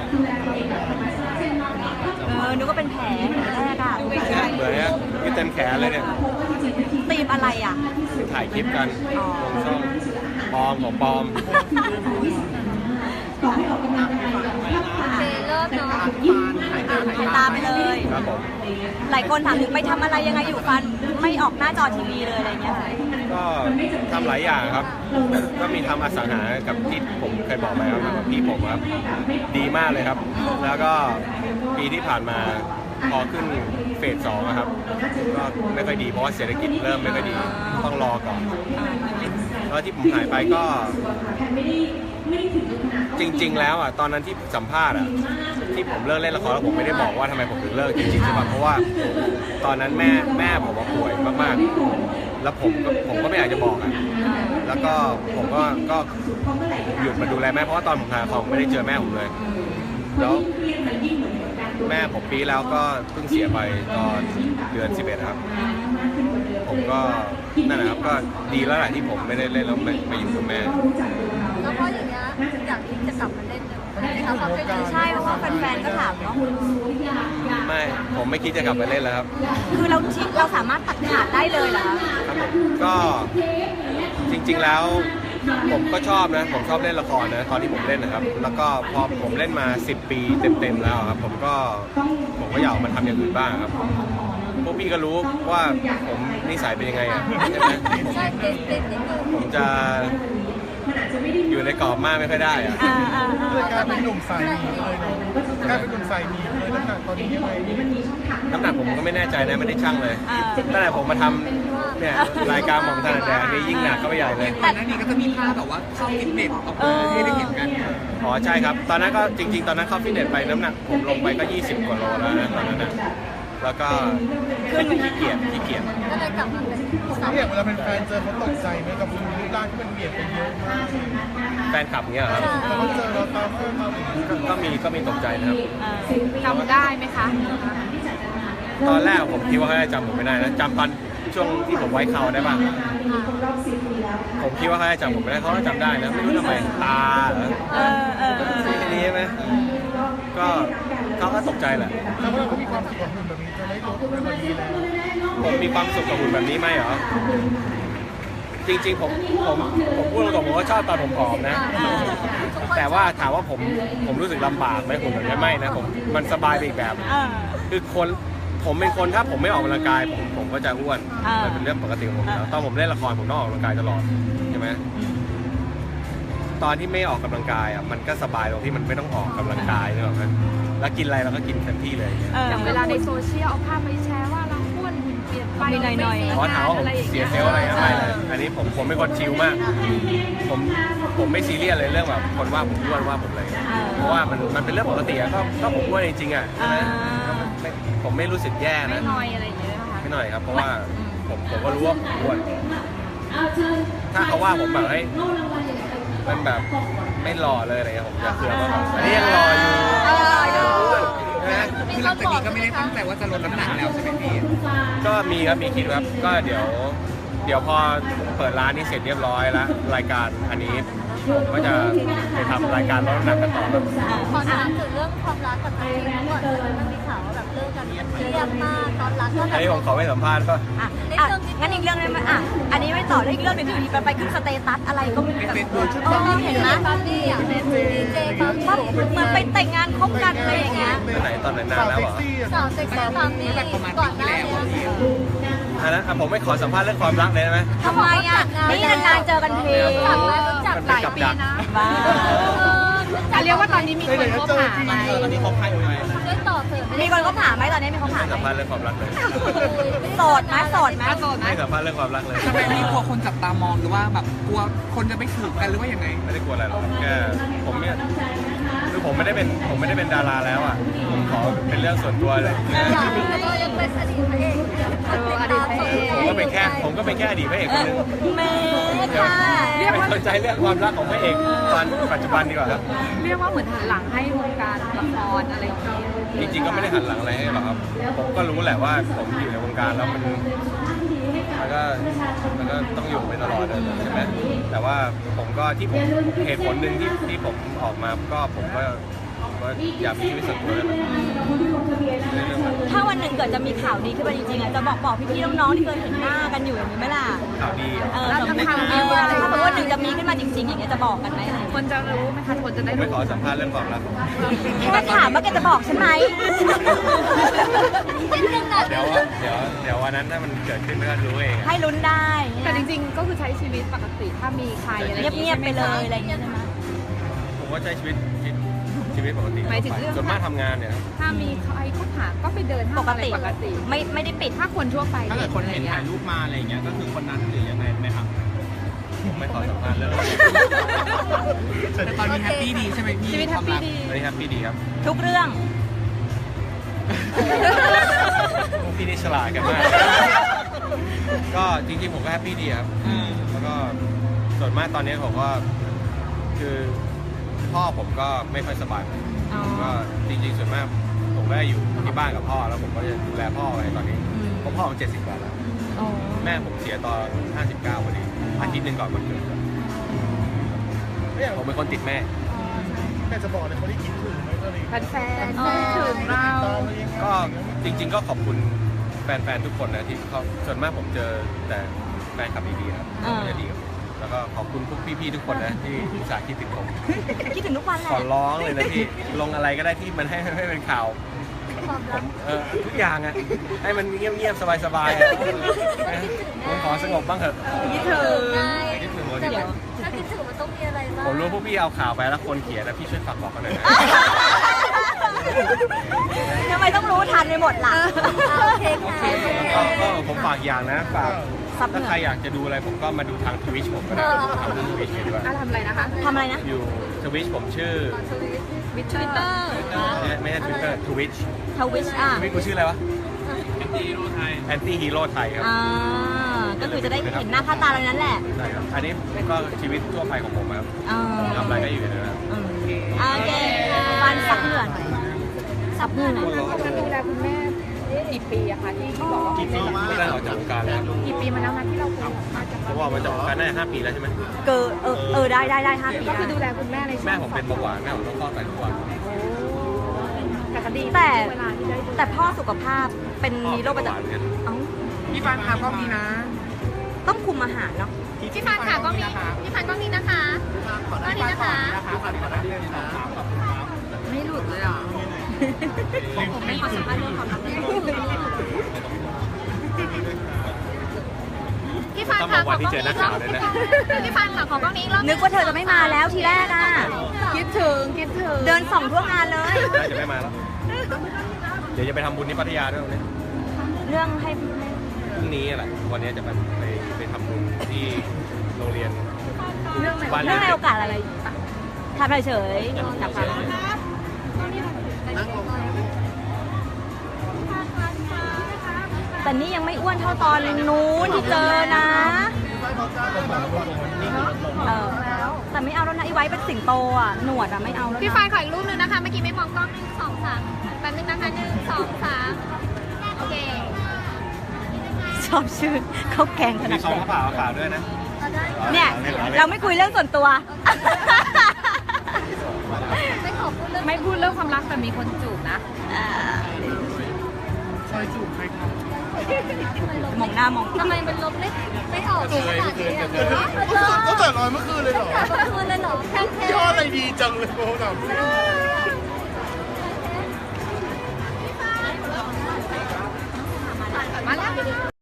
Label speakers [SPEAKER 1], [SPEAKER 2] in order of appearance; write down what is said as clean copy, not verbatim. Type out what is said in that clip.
[SPEAKER 1] นึกว่าเป็นแผลแรกอะ
[SPEAKER 2] เหมือนเนี่ยที่เต็มแขนเลยเนี่ย
[SPEAKER 1] ตีมอะไรอ่ะ
[SPEAKER 2] ถ่ายคลิปกันลงช่องปลอมของปลอม
[SPEAKER 1] เลิกเนาะตามไปเลย
[SPEAKER 2] ครับผม
[SPEAKER 1] หลายคนถามถึงไปทำอะไรยังไงอยู่ฟันไม่ออกหน้าจอทีวีเลยอะไรเงี้ย
[SPEAKER 2] ก็ทำหลายอย่างครับก็มีทำอสังหากับที่ผมเคยบอกไปครับกับพี่ผมครับดีมากเลยครับแล้วก็ปีที่ผ่านมาพอขึ้นเฟส 2ครับก็ไม่ค่อยดีเพราะว่าเศรษฐกิจเริ่มไม่ค่อยดีต้องรอก่อนแล้วที่ผมหายไปก็จริงๆแล้วอ่ะตอนนั้นที่สัมภาษณ์อ่ะที่ผมเลิกเล่นละครแล้วผมไม่ได้บอกว่าทำไมผมถึงเลิกจริงๆใช่ป่ะเพราะว่าตอนนั้นแม่ผมป่วยมากๆแล้วผมก็ไม่อยากจะบอกอ่ะแล้วก็ผมก็หยุดมาดูแลแม่เพราะว่าตอนผมหายผมไม่ได้เจอแม่ผมเลยแล้วแม่ผมปีแล้วก็เพิ่งเสียไปตอนเดือน 11ครับผมก็นั่นแหละครับก็ดีแล้วแหละที่ผมไม่ได้เล่นแล้วมาอยู่กับแม่
[SPEAKER 1] แล้วเพราะอย่างเงี้ยอยากที่จะกลับมาเล่นใช่เพราะว่าแฟนๆก็ถามเนาะ
[SPEAKER 2] ไม่ผมไม่คิดจะกลับมาเล่นแล้วครับ
[SPEAKER 1] คือเราสามารถตัดขาดได้เลยเหรอ
[SPEAKER 2] ก็จริงๆแล้วผมก็ชอบนะผมชอบเล่นละครนะตอนที่ผมเล่นนะครับแล้วก็พอผมเล่นมา10 ปีเต็มๆแล้วครับผมก็อยากมาทำอย่างอื่นบ้างครับพวกพี่ก็รู้ว่าผมนิสัยเป็นยังไงอ่ะใช่ไหมผมจะอยู่ในกรอบมากไม่ค่อยได้อ่ะ
[SPEAKER 3] กลายเป็นหนุ่มสายมีเลยเนาะกลายเป็นหนุ่มสายมีเลยน้ำหนักตอนนี้ยังไง
[SPEAKER 2] น้ำหนักผมก็ไม่แน่ใจนะไม่ได้ชั่งเลยตั้งแต่ผมมาทำเนี่ยรายการหม่อมถนัดแดกนี่ยิ่งหนักเข้าไปใหญ่เลย
[SPEAKER 4] ก่อนหน้านี้ก็จะมีภาพแบบว่าเข้าฟิตเนสออกมาให้ได้เห็นกัน
[SPEAKER 2] อ๋อใช่ครับตอนนั้นก็จริงๆตอนนั้นเข้าฟิตเนสไปน้ำหนักผมลงไปก็20 กว่าโลแล้วนะตอนนั้นนะแล้วก็ขึ้นขี้เกียจ
[SPEAKER 1] ก็เลยกลับมาเป็น
[SPEAKER 3] เนี่ยเวลาเป็นแฟนเจอเขาตกใจไหมกับรูปร่างที่มันเบียดไปเยอะมาก
[SPEAKER 2] แฟนคลับเงี้ยครับ
[SPEAKER 3] เขาเจอเราตาม
[SPEAKER 2] ก็มีตกใจนะครับ
[SPEAKER 1] จำได้ไหมคะ
[SPEAKER 2] ตอนแรกผมคิดว่าเขาจะจำผมไม่ได้นะจำตอนช่วงที่ผมไว้เขาได้ป่ะผมคิดว่าเขาจะจำผมไม่ได้เขาก็จำได้นะไม่รู้ทำไมตาเหรอนี่ใช่ไหมก็เขาก็ตกใจแหละ
[SPEAKER 3] แล้วเราก็มีความสุขกับหุ่นแบบนี้จะไม่ลดไม่พอดีแล้ว
[SPEAKER 2] ผมมีความสุขกับหุ่นแบบนี้ไหมเหรอจริงๆผมพูดตรงๆผมก็ชอบตอนผมผอมนะแต่ว่าถามว่าผมรู้สึกลำบากไหมหุ่นแบบนี้ไม่นะมันสบายไปอีกแบบคือผมเป็นคนถ้าผมไม่ออกกำลังกายผมก็จะอ้วนมันเป็นเรื่องปกติของผมแล้วตอนผมเล่นละครผมต้องออกกำลังกายตลอดใช่ไหมตอนที่ไม่ออกกำลังกายอ่ะมันก็สบายตรงที่มันไม่ต้องออกกำลังกายนึกออกไหมแล้วกินอะไรเราก็กินเต็มที่เลย
[SPEAKER 1] อย่างเวลาในโซเชียลเอาภาพไปแชร์ว่าเราอ้วนหุ่นเปลี่ยนไปหน่อย
[SPEAKER 2] เพราะถามว่าผมเสียเซลล์อะไรไม่เลยอันนี้ผมเป็นคนชิลมากผมไม่ซีเรียสเลยเรื่องแบบคนว่าผมอ้วนว่าผมอะไรเพราะว่ามันเป็นเรื่องปกติอะก็ผมอ้วนจริงๆอ่ะผมไม่รู้สึกแย่นะ
[SPEAKER 1] ไม่น้อยอะไรอย่างเงี้ย
[SPEAKER 2] ไม่น้อยครับเพราะว่าผมก็รู้ว่าผมอ้วนถ้าเขาว่าผมแบบให้มันแบบไม่หล่อเลยอะไรเงี้ยผมจะเคืองว่าอันนี้ยังหล่ออยู่
[SPEAKER 4] คือหลังจากนี้ก็ไม่ได้ตั้งใจว่าจะลดน้ำหนักแล้วใช่ไหมพี่
[SPEAKER 2] ก็มีคิดครับก็เดี๋ยวพอเปิดร้านนี้เสร็จเรียบร้อยแล้วรายการอันนี้ผมก็จะไปทำรายการลดน้ำหนักกันต่อ
[SPEAKER 1] ขอถามถึงเรื่องความรักกับตัวเองก่อนมันมีข่าวแบบเลิกกันเรียบมากตอนรักก็
[SPEAKER 2] อันนี้ผมขอไม่สัมภาษณ์ก็
[SPEAKER 1] งั้นอีกเรื่องนึงอันนี้ไม่ต่อได้อีกเรื่องนึงคือไปขึ้นสเตตัสอะไรก็แบบเห็นนะตอนนี้อย่างในดีเจเขาเหมือนไปแต่งงานคบกันอะไรอย่างเงี้ย
[SPEAKER 2] ไหนตอนไหนนานแล้วเหรอ
[SPEAKER 1] สาวเซ็กซี่ตามนี้ก่อนหน้านี้
[SPEAKER 2] อันนั้นผมไม่ขอสัมภาษณ์เรื่องความรักเลยได้ไหม
[SPEAKER 1] ทำไมอ่ะนี่นานๆเจอกันทีรู้จักหลายปีนะเรียกว่าตอนนี้มีคนคบหาไหม
[SPEAKER 2] ตอนนี้คบใครอยู่ไหม
[SPEAKER 1] มีคนคบหาไหมตอนนี้มีคนคบหา
[SPEAKER 2] สัมภาษณ์เรื่องความรักเลย
[SPEAKER 1] โสดไหม
[SPEAKER 2] ไม่สัมภาษณ์เรื่องความรักเลย
[SPEAKER 4] ทำไมพี่กลัวคนจับตามองหรือว่าแบบกลัวคนจะไม่ถูกกันหรือว่ายังไง
[SPEAKER 2] ไม่ได้กลัวอะไรหรอกแค่ผมเนี่ยคือผมไม่ได้เป็นดาราแล้วอ่ะผมขอเป็นเรื่องส่วนตัวเลย
[SPEAKER 1] ก็ยังเป็นอดีตพระเอก
[SPEAKER 2] ผมก็เป็นแค่อดีตพระเอกคนนึงไม่สนใจเรื่องความรักของพระเอกตอนปัจจุบันดีกว่าครับ
[SPEAKER 1] เรียกว่าเหมือนหันหลังให้วงการละครอะไรอย่างเงี้ย
[SPEAKER 2] จริงๆก็ไม่ได้หันหลังอะไรให้หรอกครับผมก็รู้แหละว่าผมอยู่ในวงการแล้วมันก็ต้องอยู่ไปตลอดใช่ไหมแต่ว่าผมก็ที่ผมเหตุผลหนึ่งที่ผมออกมาก็ผมก็ว่าอยากมีชีวิตส่วนตัวแล้วในเรื่องนั้น
[SPEAKER 1] ถ้าวันหนึ่งเกิดจะมีข่าวดีขึ้นมาจริงๆอ่ะจะบอกพี่ๆน้องๆที่เคยเห็นหน้ากันอยู่อย่างนี้ไหมล่ะ
[SPEAKER 2] ข่าวดี
[SPEAKER 1] สมมติถ้าสมมติว่าหนึ่งจะมีขึ้นมาจริงๆอย่างเงี้ยจะบอกกันไหม
[SPEAKER 4] คนจะรู้ไหมคะคนจะ
[SPEAKER 2] ผ
[SPEAKER 4] ได้
[SPEAKER 2] มไม่
[SPEAKER 4] รู้
[SPEAKER 2] ขอสัมภาษณ์เรื่องความรัก
[SPEAKER 1] แค่ถามว่าแกจะบอกฉันไหม
[SPEAKER 2] เดี๋ยววันนั้นถ้ามันเกิดขึ้นก็รู้เอง
[SPEAKER 1] ให้ลุ้นได้
[SPEAKER 5] แต่จริงๆ ก็คือใช้ชีวิตปกติถ้ามีใครอะไรอย่าง
[SPEAKER 1] เงียบๆไปเลยอะไรอย่างเงี้ยใช่ไหม
[SPEAKER 2] ผมก็ใช้ชีวิตปกติ
[SPEAKER 5] หมายถึงเรื่อง
[SPEAKER 2] ส่วนมากทำงานเนี่ย
[SPEAKER 5] ถ้ามีใครคบหาก็ไปเดินห้างอะไรปกติ
[SPEAKER 1] ไม่ได้ปิด
[SPEAKER 5] ถ้าคนทั่วไป
[SPEAKER 4] ถ้าเกิดคนเห็นถ่ายรูปมาอะไรอย่างเงี้ยก็คือคนนั้นหรือยังไงไหมครับ
[SPEAKER 2] ผมไม่ขอสัมภาษณ์เรื่อง
[SPEAKER 4] แต่ตอนนี้แฮปปี้ดีใช่ไหมพี่
[SPEAKER 5] ชีวิตแฮปปี้ดี
[SPEAKER 2] ตอนนี้แฮปปี้ดีครับ
[SPEAKER 1] ทุกเรื่อง
[SPEAKER 2] พวกพี่นี่ฉลาดกันมาก ก็จริงๆผมก็แฮปปี้ดีครับ แล้วก็ส่วนมากตอนนี้ผมก็คือพ่อผมก็ไม่ค่อยสบาย
[SPEAKER 1] อ๋อ
[SPEAKER 2] ผมก็จริงๆส่วนมากผมก็อยู่ที่บ้านกับพ่อแล้วผมก็จะดูแลพ่อไว้ตอนนี้เพราะพ่อผม70 กว่าแล้ว
[SPEAKER 1] อ๋อ
[SPEAKER 2] แม่ผมเสียตอน59พอดีอาทิตย์หนึ่งก่อนวันเกิดผมเป็นคนติดแม่
[SPEAKER 3] แม่จะบอกเลยคนที่คิดถึงไหมตอนนี้
[SPEAKER 5] แฟนๆคิดถึงเรา
[SPEAKER 3] ตามมายังไง
[SPEAKER 2] ก็จริงๆก็ขอบคุณแฟนๆทุกคนนะที่เขาส่วนมากผมเจอแต่แฟนคลับดีๆครับเขาจะดีกับผมแล้วก็ขอบคุณพวกพี่ๆทุกคนนะที่อุตส่าห์คิดถึงผม
[SPEAKER 1] คิดถึงทุกวันแห
[SPEAKER 2] ขอ
[SPEAKER 1] ละ
[SPEAKER 2] ร้องเลยนะพี่ลงอะไรก็ได้ที่มันให้เป็นข่าวผมทุกอย่างอะให้มันเงียบๆสบายๆอะผมขอสงบบ้างเถอะ
[SPEAKER 1] คิดถึง
[SPEAKER 2] คิดถึง
[SPEAKER 1] เดี๋ยว
[SPEAKER 6] ถ้าคิดถึงมันต้องมีอะไรบ้าง
[SPEAKER 2] ผมรู้พวกพี่เอาข่าวไปแล้วคนเขียนนะพี่ช่วยฝากบอกเขาหน่อยนะ
[SPEAKER 1] ทำไมต้องรู้ทันไปหมดล่ะ
[SPEAKER 6] โอเคค่ะ
[SPEAKER 2] ก็ผมฝากอย่างนะฝาก
[SPEAKER 1] ซับเห
[SPEAKER 2] ถ้า
[SPEAKER 1] งื่
[SPEAKER 2] ใคร
[SPEAKER 1] อ
[SPEAKER 2] อยากจะดูอะไรผมก็มาดูทางทวิชผมก็ได้ทำดูทวิชดีกว่า
[SPEAKER 5] ทำอะไรนะคะ
[SPEAKER 1] ทำอะไรนะ
[SPEAKER 2] อยู่ทวิชผมชื่อ
[SPEAKER 1] วิทวิตเตอร์
[SPEAKER 2] ไม่ใช่ทวิตเตอร์ทวิช
[SPEAKER 1] ทวิชอ่ะ
[SPEAKER 2] ทวิชกูชื่ออะไรวะแอนตี้ฮีโร่ไทยแอนตี้ฮีโร่ไทยครับ
[SPEAKER 1] อ่าก็คือจะได้เห็นหน้าค่าตาเรานั้นแหละ
[SPEAKER 2] ใช่ครับอันนี้ก็ชีวิตทั่วไปของผมครับ
[SPEAKER 1] อ่า
[SPEAKER 2] ทำอะไรก็อยู่ในนั้นครับ
[SPEAKER 1] โอเคฟันซับเหงื่อหน่อยซับเหงื่อหน่อย
[SPEAKER 5] การดูแลคุณแม่กี่ปีอะคะที่บอกว่า
[SPEAKER 2] กี่ปีไม่ได้ออกจากวงการแล้ว
[SPEAKER 5] กี่ปีมาแล้วนะที่เราคุยมาจาก
[SPEAKER 2] เพราะว่ามันจากวงการได้5 ปีแล้วใช่ไหม
[SPEAKER 1] เกิดได้5 ปี
[SPEAKER 5] ก็คือ
[SPEAKER 1] ได้
[SPEAKER 5] ดูแลคุณแม่ในช่วง
[SPEAKER 2] แม่ผมเป็นเบาหวานแม่ผมต้องฟอกไตทุกวัน
[SPEAKER 5] แต่ก็ดี
[SPEAKER 1] แต่
[SPEAKER 5] เวลาที่ได้ดู
[SPEAKER 1] แต่พ่อสุขภาพเป็นมีโรคประ
[SPEAKER 2] เบาหวาน
[SPEAKER 1] จำ
[SPEAKER 2] เหมือนกัน
[SPEAKER 1] เอ้า
[SPEAKER 4] พี่ฟานครับก็มีนะ
[SPEAKER 1] ต้องคุมอาหารเนาะ
[SPEAKER 6] พี่ฟันค่ะก็มีพี่ฟันก็มีนะคะก็นี้นะคะ
[SPEAKER 5] ไม่หลุดเลยอ่ะ
[SPEAKER 1] ผมไม่ขอสัมภาษณ์เรื่องความรัก
[SPEAKER 6] พี่ฟัน
[SPEAKER 2] ต้องบ
[SPEAKER 6] ค่ะ
[SPEAKER 2] อกวันที่เจอนักข่าวเลยนะ
[SPEAKER 6] พี่ฟันค่ะขอกล้องนี้อีกรอบ
[SPEAKER 1] นึกว่าเธอจะไม่มาแล้วทีแรกอ่ะ
[SPEAKER 5] คิดถึง
[SPEAKER 1] เดินส่องทั่วงานเลย
[SPEAKER 2] น่าจะไม่มาแล้ว เดี๋ยวจะไปทำบุญที่พัทยาด้วยวันนี้
[SPEAKER 1] เรื่องให้
[SPEAKER 2] พรุ่งนี้แหละ วันนี้จะไปทำบุญที่โรงเรียน
[SPEAKER 5] เรื่องไหน
[SPEAKER 2] บ้าน
[SPEAKER 1] เรื่องใน
[SPEAKER 2] เด็
[SPEAKER 1] โอก กาสอะไรทำเฉยๆจากความรักแต่นี่ยังไม่อ้วนเท่าตอนนู้นที่เจอนะแต่ไม่เอาแล้วนะไอ้ไว้เป็นสิงโตอ่ะหนวดอ่ะไม่เอาแล้ว
[SPEAKER 6] พี่
[SPEAKER 1] นะ
[SPEAKER 6] ฟันขออีกรูปนึงนะคะ เมื่อกี้ไม่มองกล้อง1 2 3แป๊บนึงนะคะ1 2 3โอเค
[SPEAKER 1] ชอบชื่อเขาแกงขนา
[SPEAKER 2] มี
[SPEAKER 1] ด
[SPEAKER 2] ซอง
[SPEAKER 1] นี้
[SPEAKER 2] ผ้าป่าขาวด้วยนะ
[SPEAKER 1] เนี่ยเราไม่คุยเรื่องส่วนตัว
[SPEAKER 6] ไม่ขอพูดเรื่อง
[SPEAKER 5] ไม่พูดเรื่องความรักแต่มีคนจูบนะ
[SPEAKER 3] ซอยจูบใครครับ
[SPEAKER 1] มองหน้ามอง
[SPEAKER 6] ทำไมมันลบไม่ออกขนาดนี้อ่ะ
[SPEAKER 3] ก็แต่ลอยเมื่อคืนเลยเหรอ
[SPEAKER 6] เมื่อคืนเลยเหรอแค่
[SPEAKER 3] ยอดอะไรดีจังเลยโอ้โห
[SPEAKER 6] มาแล้ว